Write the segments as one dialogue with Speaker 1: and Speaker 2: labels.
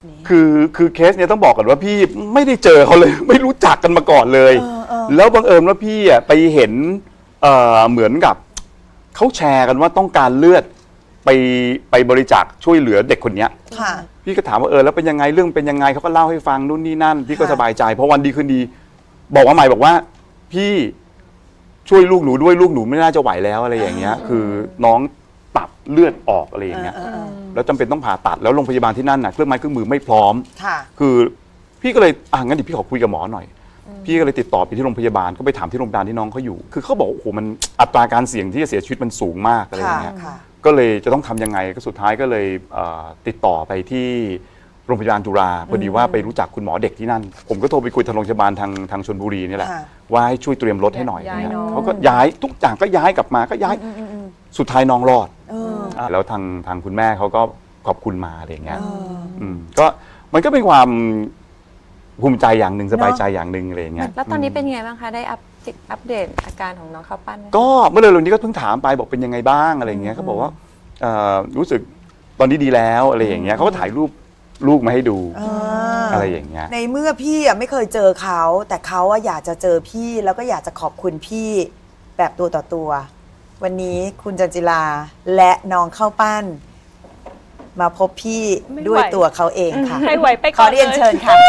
Speaker 1: คือเคสเนี้ยต้องบอกก่อนว่าพี่ไม่ได้เจอเขาเลย ไม่รู้จักกันมาก่อนเลยแล้วบังเอิญว่าพี่อ่ะไปเห็นเหมือนกับเขาแชร์กันว่าต้องการเลือดไปบริจาคช่วยเหลือเด็กคนเนี้ยพี่ก็ถามว่าแล้วเป็นยังไงเรื่องเป็นยังไงเขาก็เล่าให้ฟังนู่นนี่นั่นพี่ก็สบายใจเพราะวันดีคืนดีบอกว่าใหม่บอกว่าพี่ช่วยลูกหนูด้วยลูกหนูไม่น่าจะไหวแล้วอะไรอย่างเงี้ยคือน้องตับเลือดออกอะไรอย่างเงี้ยแล้วจำเป็นต้องผ่าตัดแล้วโรงพยาบาลที่นั่นน่ะเครื่องไม้เครื่องมือไม่พร้อมคือพี่ก็เลยงั้นเดี๋ยวพี่ขอคุยกับหมอหน่อยพี่ก็เลยติดต่อไปที่โรงพยาบาลก็ไปถามที่โรงพยาบาลที่น้องเขาอยู่คือเขาบอกโอ้โหมันอัตราการเสี่ยงที่จะเสียชีวิตมันสูงมากอะไรอย่างเงี้ยก็เลยจะต้องทำยังไงก็สุดท้ายก็เลยติดต่อไปที่โรงพยาบาลจุฬาพอดีว่าไปรู้จักคุณหมอเด็กที่นั่นผมก็โทรไปคุยทางโรงพยาบาลทางชลบุรีนี่แหละว่าให้ช่วยเตรียมรถให้หน่อยเขาก็ย้ายทุกอย่างก็ย้ายกลับมาก็ย้ายสุดท้ายน้องรอดแล้วทางคุณแม่เขาก็ขอบคุณมาอะไรอย่างเงี้ยก็มันก็เป็นความภูมิใจอย่างหนึ่งสบายใจอย่างหนึ่งอะไรอย่างเงี้ย
Speaker 2: แล้วตอนนี้เป็นไงบ้างคะได้อัปเดตอาการของน้องข้าวปั้นไหม
Speaker 1: ก็เมื่อเร็วๆนี้ก็เพิ่งถามไปบอกเป็นยังไงบ้างอะไรอย่างเงี้ยเขาบอกว่ารู้สึกตอนนี้ดีแล้วอะไรอย่างเงี้ยเขาก็ถ่ายรูปลูกมาให้ดูอะไรอย่างเงี้ย
Speaker 3: ในเมื่อพี่ไม่เคยเจอเขาแต่เขาอยากจะเจอพี่แล้วก็อยากจะขอบคุณพี่แบบตัวต่อตัววันนี้คุณจันจิลาและน้องข้าวปั้นมาพบพี่ด้วยตัวเขาเองค่ะ
Speaker 2: ให้ไหวไปก่อน
Speaker 3: ขอเรียนเชิญค่ะ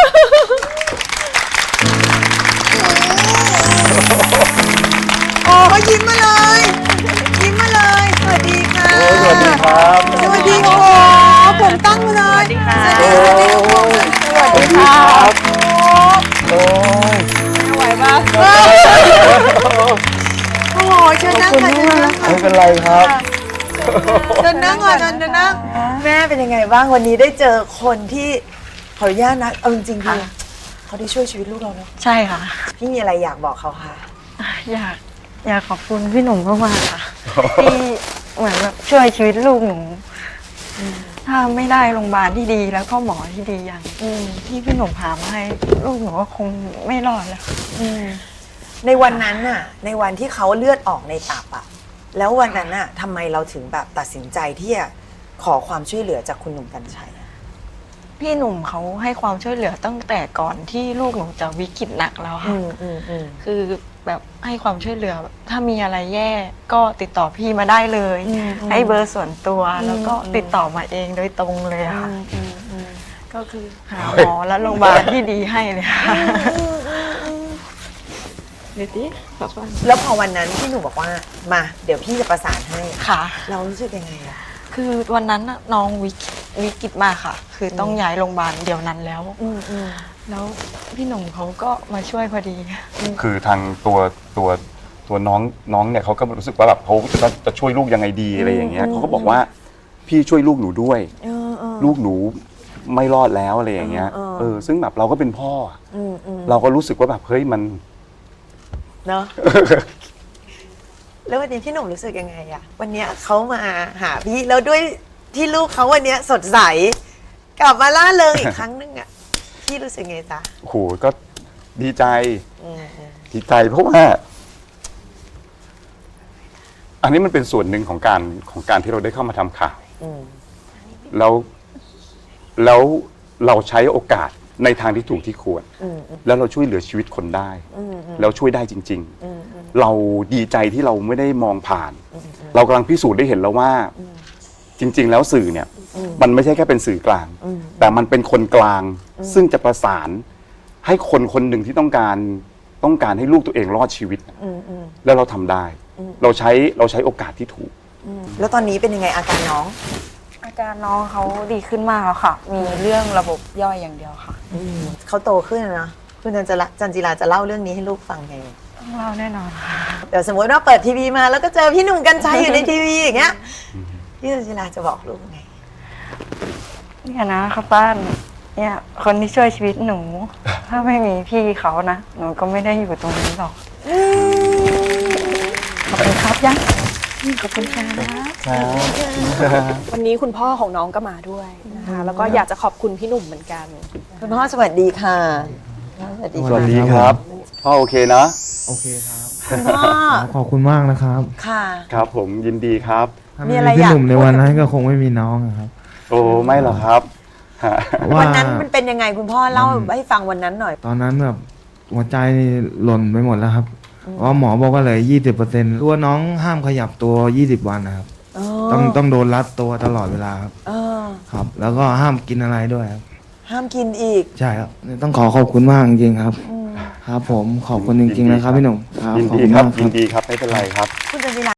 Speaker 3: โอ้ยิ้มมาเลยยิ้มมาเลยสวัสดีค่ะ
Speaker 1: สวัสดีครับ
Speaker 3: สวัสดีโอ้ผมตั้งเลย
Speaker 2: สวัสดีค่ะ
Speaker 3: สวัสดี
Speaker 1: ครับ
Speaker 3: โอ้
Speaker 2: ไหวปะ
Speaker 3: โอ้เชิญนั่งค่ะเชิญนั่งค่ะ
Speaker 1: ไม่เป็นไรครับ
Speaker 3: เชิญนั่งค่ะเชิญนั่งแม่เป็นยังไงบ้างวันนี้ได้เจอคนที่ขออนุญาตนะเอาจริงๆคือเขาได้ช่วยชีวิตลูกเราเนาะ
Speaker 4: ใช่ค่ะ
Speaker 3: พี่มีอะไรอยากบอกเขาคะ
Speaker 4: อยากขอบคุณพี่หนุ่มมากๆค่ะที่เหมือนแบบช่วยชีวิตลูกหนูถ้าไม่ได้โรงพยาบาลที่ดีแล้วก็หมอที่ดีอย่างที่พี่หนุ่มหามาให้ลูกหนูก็คงไม่รอดแล้ว
Speaker 3: ในวันนั้นน่ะในวันที่เขาเลือดออกในตับอะแล้ววันนั้นน่ะทำไมเราถึงแบบตัดสินใจที่จะขอความช่วยเหลือจากคุณหนุ่มกรรชัย
Speaker 4: พี่หนุ่มเขาให้ความช่วยเหลือตั้งแต่ก่อนที่ลูกหนูจะวิกฤตหนักแล้วค่ะคือแบบให้ความช่วยเหลือถ้ามีอะไรแย่ก็ติดต่อพี่มาได้เลยให้เบอร์ส่วนตัวแล้วก็ติดต่อมาเองโดยตรงเลยค่ะก็คือหาหมอและโรงพยาบาลที่ดีให้เลยค่ะ
Speaker 2: เดี๋ยวดิ
Speaker 3: แล้วพอวันนั้นพี่หนุ่มบอกว่ามาเดี๋ยวพี่จะประสานให้
Speaker 4: ค่ะ
Speaker 3: เรารู้สึกยังไงอะ
Speaker 4: คือวันนั้นน้องวิกฤตมากค่ะคือต้องย้ายโรงพยาบาลเดี๋ยวนั้นแล้วแล้วพี่หนุ่มเขาก็มาช่วยพอดี
Speaker 1: คือทางตัวน้องเนี่ยเขาก็รู้สึกว่าแบบเขาจะช่วยลูกยังไงดีอะไรอย่างเงี้ยเขาก็บอกว่าพี่ช่วยลูกหนูด้วยลูกหนูไม่รอดแล้วอะไรอย่างเงี้ยซึ่งแบบเราก็เป็นพ่อเราก็รู้สึกว่าแบบเฮ้ยมัน
Speaker 3: เนาะแล้ววันนี้พี่หนุ่มรู้สึกยังไงอะวันนี้เขามาหาพี่แล้วด้วยที่ลูกเขาวันนี้สดใสกลับมาล่าเริงอีกครั้งนึงอะพี่รู้สึกไงจ๊ะ
Speaker 1: โอ้โหก็ดีใจเพราะว่าอันนี้มันเป็นส่วนหนึ่งของการที่เราได้เข้ามาทำข่าวแล้วเราใช้โอกาสในทางที่ถูกที่ควรแล้วเราช่วยเหลือชีวิตคนได้แล้วช่วยได้จริงๆเราดีใจที่เราไม่ได้มองผ่านเรากำลังพิสูจน์ได้เห็นแล้วว่าจริงๆแล้วสื่อเนี่ยมันไม่ใช่แค่เป็นสื่อกลางแต่มันเป็นคนกลางซึ่งจะประสานให้คนหนึ่งที่ต้องการให้ลูกตัวเองรอดชีวิตแล้วเราทำได้เราใช้โอกาสที่ถูก
Speaker 3: แล้วตอนนี้เป็นยังไงอาการน้อง
Speaker 4: เขาดีขึ้นมากแล้วค่ะมีเรื่องระบบย่อยอย่างเดียวค่ะ
Speaker 3: เขาโตขึ้นนะคุณจันจิราจะเล่าเรื่องนี้ให้ลูกฟังไง
Speaker 4: ต้องเล่าแน่นอนค่ะ
Speaker 3: เดี๋ยวสมมติว่าเปิดทีวีมาแล้วก็เจอพี่หนุ่มกรรชัยอยู่ในทีวีอย่างเงี้ยพี่จันจิราจะบอกลูกไง
Speaker 4: เนี่ยนะครับป้านเนี่ยคนที่ช่วยชีวิตหนูถ้าไม่มีพี่เขานะหนูก็ไม่ได้อยู่ตรงนี้หรอกขอบคุณครับยังขอบคุณค่ะ
Speaker 2: วันนี้คุณพ่อของน้องก็มาด้วยนะคะแล้วก็อยากจะขอบคุณพี่หนุ่มเหมือนกัน
Speaker 3: คุณพ่อสวัสดีค่ะ
Speaker 1: สวัสดีครับพ่อโอเคนะ
Speaker 5: โอเคครับ
Speaker 3: คุณพ่อ
Speaker 5: ขอบคุณมากนะครับ
Speaker 3: ค่ะ
Speaker 1: ครับผมยินดีครับ
Speaker 5: มีอะไรพี่หนุ่มในวันนั้นก็คงไม่มีน้องครับ
Speaker 1: โอ้ไม่หรอกครับ
Speaker 5: เพราะว่า
Speaker 3: วันนั้นมันเป็นยังไงคุณพ่อเล่าให้ฟังวันนั้นหน่อย
Speaker 5: ตอนนั้นแบบหัวใจนี่หล่นไปหมดแล้วครับเพราะหมอบอกว่าเหลือ20%ตัวน้องห้ามขยับตัว20 วันนะครับ ต้องโดนรัดตัวตลอดเวลาครับ
Speaker 3: เออ
Speaker 5: ครับ แล้วก็ห้ามกินอะไรด้วยครับ
Speaker 3: ห้ามกินอีก
Speaker 5: ใช่ครับต้องขอบคุณมากจริงๆครับ ครับผมขอบคุณจริงๆนะครับพี่หนุ่มครับ
Speaker 1: ยิน
Speaker 5: ขอบ
Speaker 1: ดี
Speaker 5: คุณ
Speaker 1: ครั
Speaker 5: มา
Speaker 1: บ
Speaker 5: กค
Speaker 1: ยิ
Speaker 5: รั
Speaker 1: น
Speaker 5: บ
Speaker 1: ดีครับไม่เป็นไรครับ
Speaker 3: คุณจันจิรา